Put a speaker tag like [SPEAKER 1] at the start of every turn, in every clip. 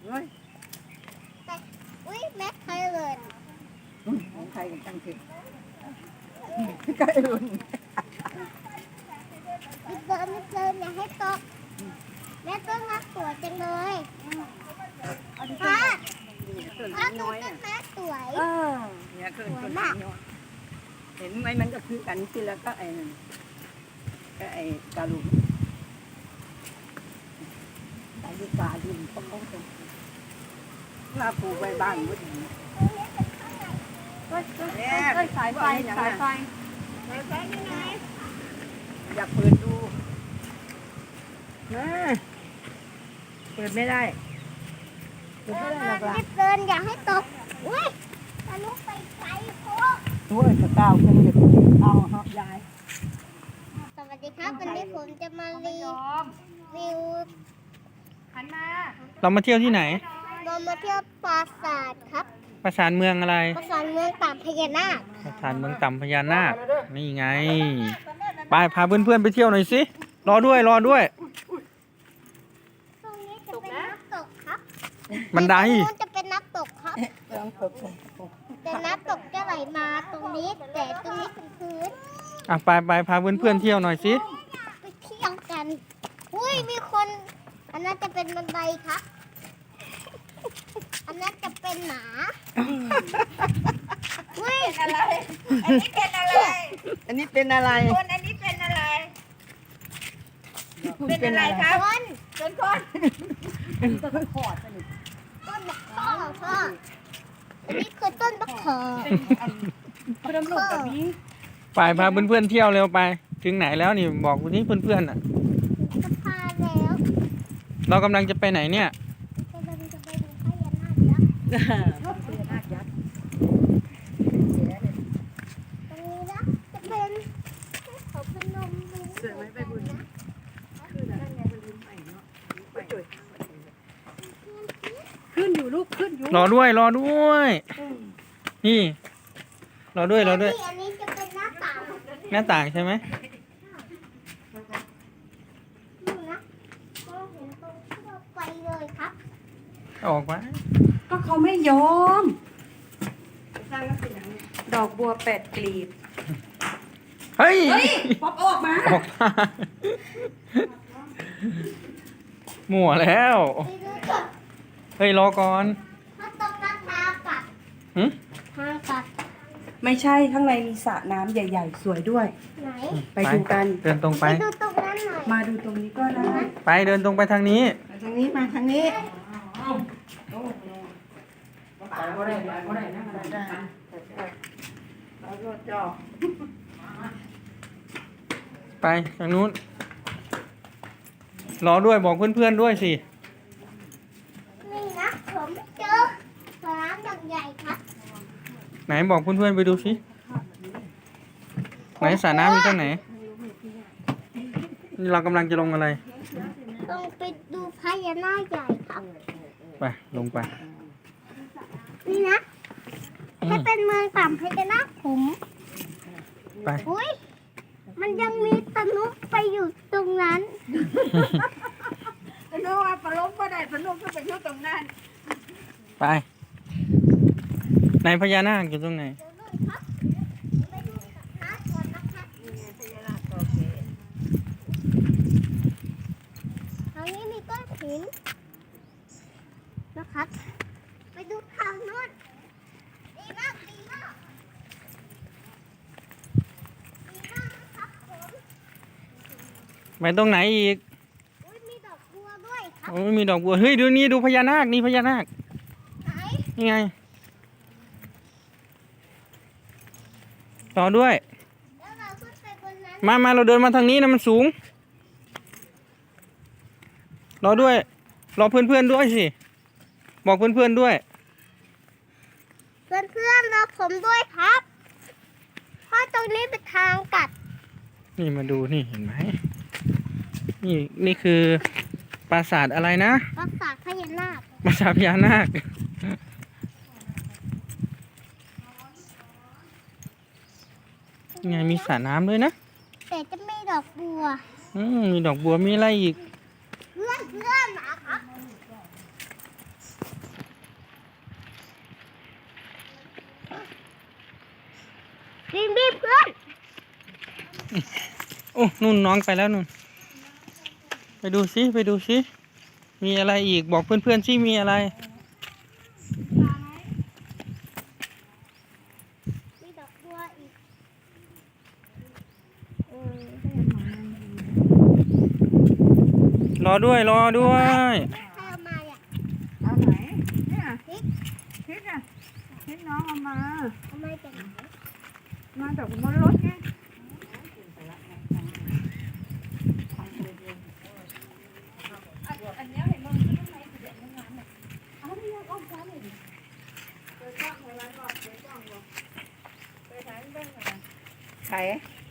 [SPEAKER 1] แต่อุ้ยแม็กไทยเลย
[SPEAKER 2] ของใครกันตั้งสิใกล้รุ่น
[SPEAKER 1] ไม่เดินอย่าให้ตกแม่ต้นรักสวยจังเลยป้าป้าดูต้นแม่สวย
[SPEAKER 2] เนี่ยคือต้นน้อยเห็นไหมมันก็คือกันทีแล้วก็ไอ้นั่นก็ไอ้กาลุงไอ้ที่กาลุงเขาว่าปลูกไว้บ้านก็ดี
[SPEAKER 3] สายไฟ
[SPEAKER 2] อยากเปิดดูเปิดไม่ได้
[SPEAKER 1] เดินอย่าให้ตกอุ้ยทะลุไปไกลโคตร
[SPEAKER 2] โอ้ยจะก้าวขึ้นจะเอาเหาะยาย
[SPEAKER 1] สวัสดีครับวันนี้ผมจะมารีวิว
[SPEAKER 3] เรามาเที่ยวที่ไหน
[SPEAKER 1] เรามาเที่ยวปราสาทครับ
[SPEAKER 3] ปราสาทเมืองอะไร
[SPEAKER 1] ปราสาทเมืองต่ำพญานาค
[SPEAKER 3] ปราสาทเมืองต่ำพญานาคนี่ไงไปพาเพื่อนๆไปเที่ยวหน่อยสิรอด้วย
[SPEAKER 1] ตรงนี้จะเป็นน้ำตกครับ
[SPEAKER 3] บันได
[SPEAKER 1] จะเป็นน้ำตกครับแต่น้ำตกจะไหลมาตรงนี้แต่ตรงนี้เป็นพื้น
[SPEAKER 3] ไปพาเพื่อนๆเที่ยวหน่อยสิ
[SPEAKER 1] ไปเที่ยวกันอุ้ยมีคนอันนั้นจะเป็นบันไดครับอันนั้นจะเป็นหมาอุ้ย
[SPEAKER 2] อะไรอันนี้เป็นอะไรอันนี้เป็นอะไร
[SPEAKER 4] คนอันนี้เป็นอะไรเป็นอะไรครับเป็นคน
[SPEAKER 2] ต้นขอดนี่
[SPEAKER 1] ต้นมะขอพ่ออันนี้คือต้นมะขอ
[SPEAKER 2] เพิ่มลูกแบบนี้
[SPEAKER 3] ไปพาเพื่อนๆเที่ยวเร็วไปถึงไหนแล้วนี่บอกวันนี้เพื่อนๆ
[SPEAKER 1] จะพาแล้ว
[SPEAKER 3] เรากำลังจะไปไหนเนี่ย
[SPEAKER 1] จะไปดูพญานาคยักษ์
[SPEAKER 2] พญานาคยักษ์
[SPEAKER 1] ตรงนี้นะจะเป็นเขาพนมมือ
[SPEAKER 2] เสือไม่ไปบุญนะคือนั่นไงไปบุญใหม่เนาะไปจุดขึ้นอยู่ลูกขึ้นอยู่
[SPEAKER 3] รอด้วยนี่รอด้วย
[SPEAKER 1] อันนี้จะเป็นหน้าต่าง
[SPEAKER 3] ใช่ไหม
[SPEAKER 1] ดูนะก็เห็นตรงที่เราไปเลยครับ
[SPEAKER 3] ออกมา
[SPEAKER 4] ก็เขาไม่ยอมดอกบัว8 กลีบ
[SPEAKER 3] เฮ้ย
[SPEAKER 4] ป๊อปออกมา
[SPEAKER 3] มั่วแล้วเฮ้ยรอก่อน
[SPEAKER 1] ถ้าตรงนั้นทางกัดทางกัด
[SPEAKER 4] ไม่ใช่ข้างในมีสระน้ำใหญ่ๆสวยด้วย
[SPEAKER 1] ไหน
[SPEAKER 4] ไปดูกัน
[SPEAKER 3] เดินตรงไป
[SPEAKER 1] ดูตรงนั้นหน่อย
[SPEAKER 4] มาดูตรงนี้ก็ได้
[SPEAKER 3] ไปเดินตรงไปทางนี้
[SPEAKER 2] ทางนี้มาทางนี้
[SPEAKER 3] ไปทางนู้นรอด้วยบอกเพื่อนๆด้วยสิ
[SPEAKER 1] นี่นะผมเจอสระน้ำใหญ่ครับ
[SPEAKER 3] ไหนบอกเพื่อนๆไปดูสิไหนสระน้ำอยู่ตรงไหนนี่เรากำลังจะลงอะไร
[SPEAKER 1] ลงไปดูพญานาคใหญ่ครับ
[SPEAKER 3] ไปลงไป
[SPEAKER 1] นี่นะให้เป็นเมืองต่ำพญานาคผม
[SPEAKER 3] ไป
[SPEAKER 1] อุ้ยมันยังมีตะนุไปอยู่ตรงนั้น
[SPEAKER 4] ตะนุว่าปลาล้มก็ได้ตะนุก็ไปอยู่ตรงนั้น
[SPEAKER 3] ไปไหนพญานาคอยู่ตรงไหน
[SPEAKER 1] ทางนี้มีก้อนหินนะครับไปดูทางโน้นดีมากนะครับผม
[SPEAKER 3] ไปตรงไหนอีก
[SPEAKER 1] มีดอกบัวด้วยครับ
[SPEAKER 3] โอ้ยมีดอกบัวเฮ้ยดูนี่ดูพญานาคนี่พญานาค
[SPEAKER 1] ไหน
[SPEAKER 3] นี่ไงต่อด้วย
[SPEAKER 1] แล้วเราขึ้นไปบนนั้น
[SPEAKER 3] มาเราเดินมาทางนี้นะมันสูงรอด้วยรอเพื่อนๆด้วยสิบอกเพื่อนๆด้วย
[SPEAKER 1] เพื่อนรอผมด้วยครับเพราะตรงนี้เป็นทางกัด
[SPEAKER 3] นี่มาดูนี่เห็นไหมนี่คือปราสาทอะไรนะ
[SPEAKER 1] ปราสาทพญานาค
[SPEAKER 3] ปราสาทพญานาคไงมีสระน้ำด้วยนะ
[SPEAKER 1] แต่จะมีดอกบัว
[SPEAKER 3] มีดอกบัวมีอะไรอีก
[SPEAKER 1] เพื่อนนะครับ
[SPEAKER 3] อ้นู่นน้องไปแล้วนู่นไปดูซิไปดูซิมีอะไรอีกบอกเพื่อนๆซิมีอะไร
[SPEAKER 1] มีดอกบัวอีก
[SPEAKER 3] รอด้วยรอด้วย
[SPEAKER 1] ใครเอามาเนี่ย
[SPEAKER 4] เอาไหนเนี่ยพริกอ่ะพริกน้องเอามา
[SPEAKER 1] เอามาจากไหน
[SPEAKER 4] มาจากบนรถไง
[SPEAKER 2] ไข่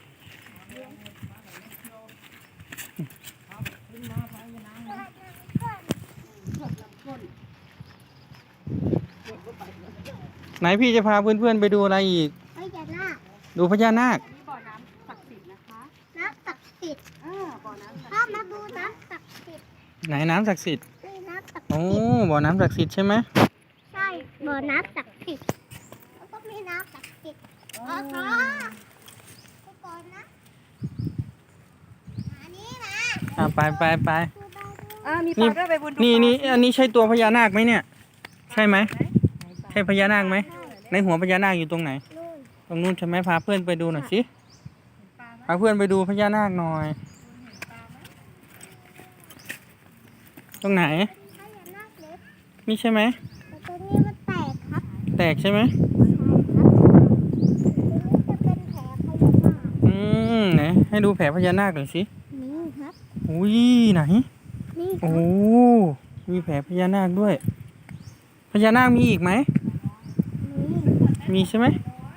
[SPEAKER 3] ไหนพี่จะพาเพื่อนๆไปดูอะไรอีก
[SPEAKER 1] เฮ้ยอย่าหน้า
[SPEAKER 3] ดูพญานาค
[SPEAKER 1] น้ำศักดิ์สิทธิ์พ่อมาดูน้ำศักดิ์สิทธิ์
[SPEAKER 3] ไหนน้ำศักดิ์สิทธิ์
[SPEAKER 1] นี่น้ำศักดิ์
[SPEAKER 3] โอ้
[SPEAKER 1] สิทธิ์
[SPEAKER 3] บ่อน้ำศักดิ์สิทธิ์ใช่ไหม
[SPEAKER 1] ใช่บ่อน้ำศักดิ์สิทธิ์แล้วก็มีน้ำศักดิ์สิทธิ์อ๋อขอไปก่อนนะอันนี้นะ
[SPEAKER 3] ไปไปไป
[SPEAKER 1] ดูได้ด้วย
[SPEAKER 4] มีปลาด้วยไปบน
[SPEAKER 3] นี่อันนี้ใช่ตัวพญานาคไหมเนี่ย ใช่ไหมใช่พญานาคไหมในหัวพญานาคอยู่ตรงไหน
[SPEAKER 1] นู่น
[SPEAKER 3] ตรงนู้นใช่ไหมพาเพื่อนไปดูหน่อยสิพาเพื่อนไปดูพญานาคหน่อย ตรงไหน
[SPEAKER 1] ถ้าอย่าหน้าเล็ก
[SPEAKER 3] นี่ใช่ไหม
[SPEAKER 1] แต่ตัวนี้มันแตกครับ
[SPEAKER 3] แตกใช่ไหม
[SPEAKER 1] ตัวนี้จะเป็นแผลพญานาค
[SPEAKER 3] ไหนให้ดูแผลพญานาคหน่อยสิ
[SPEAKER 1] นี่ครับ
[SPEAKER 3] อุ้ยไหน
[SPEAKER 1] นี่ค
[SPEAKER 3] โอ้
[SPEAKER 1] รับ
[SPEAKER 3] มีแผลพญานาคด้วย พญานาคมีอีกไหม
[SPEAKER 1] นี่
[SPEAKER 3] มีใช่ไหม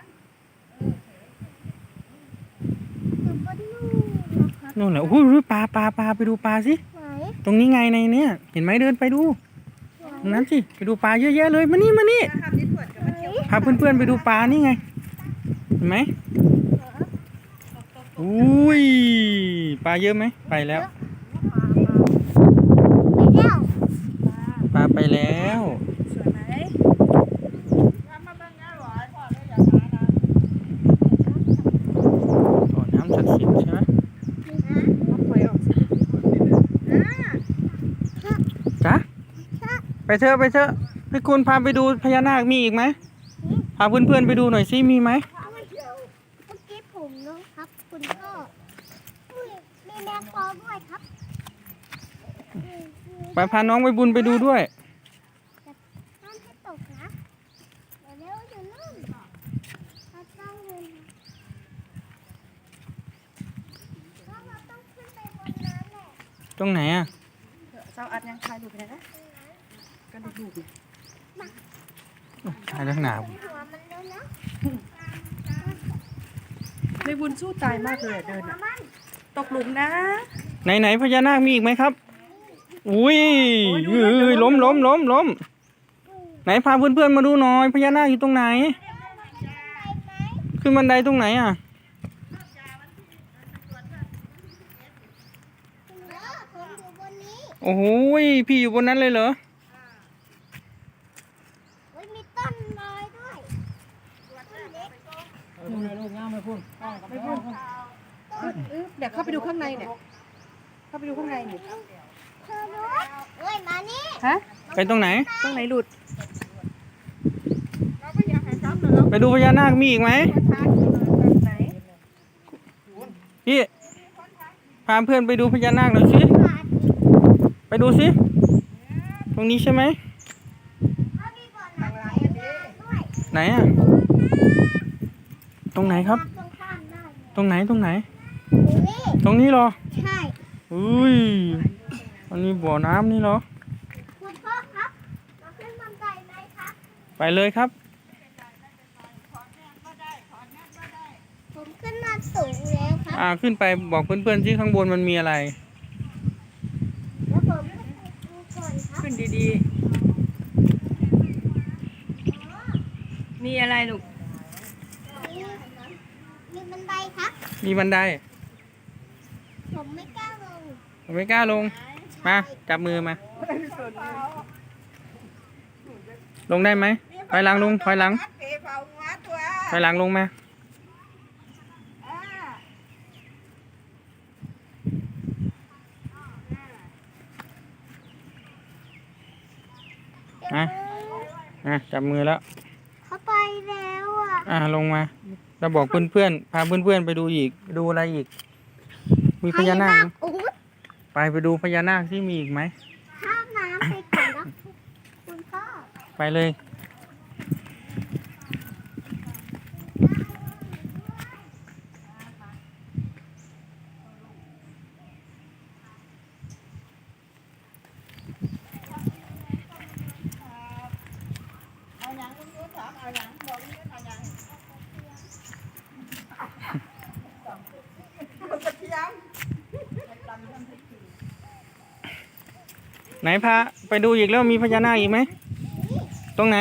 [SPEAKER 1] อยู่บนนู่นนะครับ
[SPEAKER 3] นู่นแหละโอ้ยปลาไปดูปลาสิ
[SPEAKER 1] ไหน
[SPEAKER 3] ตรงนี้ไงในเนี้ยเห็นไหมเดินไปดูตรงนั้นสิไปดูปลาเยอะแยะเลยมานี่พาเพื่อนๆไปดูปลานี่ไงเห็นไหมอุ้ยปลาเยอะไหมไปแล้ว
[SPEAKER 1] ไปแล้ว
[SPEAKER 3] ปลาไปแล้ว
[SPEAKER 4] สวยไหม
[SPEAKER 3] บ่อน้ำศักดิ์สิทธิ์ใช่ไหม
[SPEAKER 4] เอาปล่อยออกสิ
[SPEAKER 3] จ๊ะไปเถอะให้คุณพาไปดูพญานาคมีอีกไหมพาเพื่อนๆไปดูหน่อยสิมีไหม
[SPEAKER 1] เมื่อกี้ผมนะครับ คุณพ่ออุ้ยมีแมงปอด้วยครับ
[SPEAKER 3] ไปพาน้องไปบุญไปดูด้วย
[SPEAKER 1] ห้ามให้ตกนะเดี๋ยวจะลื่นเราต้องเงินเราต้องขึ้นไปบนนั้นแหละ
[SPEAKER 3] ตรงไหนอ่ะ
[SPEAKER 4] เจ้าอัดยังถ่ายรูปไปไหนนะก็ดูรูปเนี่ย
[SPEAKER 3] ถ่ายเรื่องหนาว
[SPEAKER 1] หัวมันเลยนะ
[SPEAKER 4] ในบุญสู้ตายมากเลยอะเดิน
[SPEAKER 1] หัว
[SPEAKER 4] อะ
[SPEAKER 1] มัน
[SPEAKER 4] ตกหลุมนะ
[SPEAKER 3] ไหนพญานาคมีอีกไหมครับอุ้ย
[SPEAKER 4] โอ้ยดู
[SPEAKER 3] เอ้ย
[SPEAKER 4] ล้
[SPEAKER 3] ล้ม
[SPEAKER 4] ม
[SPEAKER 3] ล้มล้มล้มไหนพาเพื่อนๆมาดูหน่อยพญานาคอยู่ตรงไหน ขึ้นบันไดตรงไหนอ่ะ
[SPEAKER 1] ผมอยู่บนนี้
[SPEAKER 3] โอ้โหพี่อยู่บนนั้นเลยเหรอ
[SPEAKER 1] เฮ้ยมีต้นลอยด้วยต้นเล็ก
[SPEAKER 4] เดี๋ยวเข้าไปดูข้างในเนี่ย เข้าไปดูข้างในเนี่ย
[SPEAKER 1] เธอรู้เฮ้ยมานี่
[SPEAKER 4] ฮะ
[SPEAKER 3] ไปตรงไหน
[SPEAKER 4] ตรงไหนหลุด
[SPEAKER 3] ไปดูพญานาคมีอีกไหม
[SPEAKER 4] ไหน
[SPEAKER 3] พี่พาเพื่อนไปดูพญานาคหน่อยสิ
[SPEAKER 1] ขาดอีก
[SPEAKER 3] ไปดูสิตรงนี้ใช่ไหม
[SPEAKER 1] เขามีบ่อน้ำใหญ่ด้วย
[SPEAKER 3] ไหนอ่ะตรงไหนครับ
[SPEAKER 1] ตรงข้ามได้
[SPEAKER 3] ตรงไหน
[SPEAKER 1] นี่
[SPEAKER 3] ตรงนี้เหรอ
[SPEAKER 1] ใช่
[SPEAKER 3] อุ้ยอันนี้บ่อน้ำนี่เหรอ
[SPEAKER 1] คุณพ่อครับเราขึ้นบันไดไหมครับ
[SPEAKER 3] ไปเลยครับ
[SPEAKER 1] ผมขึ้นมาสูงแล้วครับ
[SPEAKER 3] ขึ้นไปบอกเพื่อนๆที่ข้างบนมันมีอะไร
[SPEAKER 1] แล้วผมก็ไปดูก่อนครับ
[SPEAKER 4] ขึ้นดีๆ มีอะไรลูก
[SPEAKER 1] มีบันไดครับ
[SPEAKER 3] มีบันได
[SPEAKER 1] ผมไม่กล้าลง
[SPEAKER 3] ผมไม่กล้าลง มาจับมือมา ลงได้ไหมถอยหลังลงถอยหลังถอยหลังลงมาจับมือแล้ว
[SPEAKER 1] เขาไปแล้วอ่ะ
[SPEAKER 3] ลงมาเราบอกเพื่อนๆพาเพื่อนๆไปดูอีกดูอะไรอีก มีพญานาคไหม
[SPEAKER 1] อุ๊ย
[SPEAKER 3] ไปดูพญานาคที่มีอีกไหม
[SPEAKER 1] ข้ามน้ำไปก่อนนะคุณพ่อ
[SPEAKER 3] ไปเลย
[SPEAKER 2] เอาหยังลุงยุทธถามเอาหยังบอกลุงยุทธเอาหยังกระเทียม
[SPEAKER 3] ไหนพาไปดูอีกแล้วมีพญานาคอีกไหมตรงไหน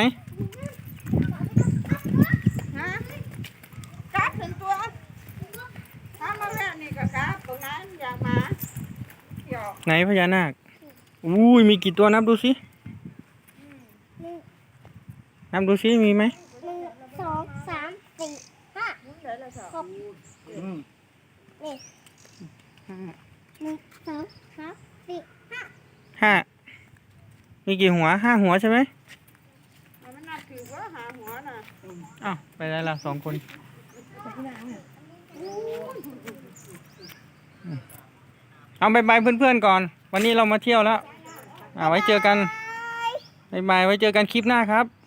[SPEAKER 2] ฮะกราฟถึงตัวถ้ามาแวะนี่ก็กราฟตรงนั้นอยากมาเดี๋ยว
[SPEAKER 3] ไหนพญานาคอุ้ยมีกี่ตัวนับดูสิ
[SPEAKER 1] หนึ่ง
[SPEAKER 3] นับดูสิมีไหม
[SPEAKER 1] หนึ่งสองสามสี่ห้า
[SPEAKER 2] เดี๋ยวเราสอบ
[SPEAKER 1] ครบนี่หนึ่งสองสามสี่ห้า
[SPEAKER 3] 5มีกี่หัว5 หัวใช่ไหม
[SPEAKER 2] มันนับถือว่าหาหัวน่ะ
[SPEAKER 3] อ้าวไปได้ละ2 คนเอาบายเพื่อนๆก่อน วันนี้เรามาเที่ยวแล้วไว้เจอกันบายไว้เจอกันคลิปหน้าครับ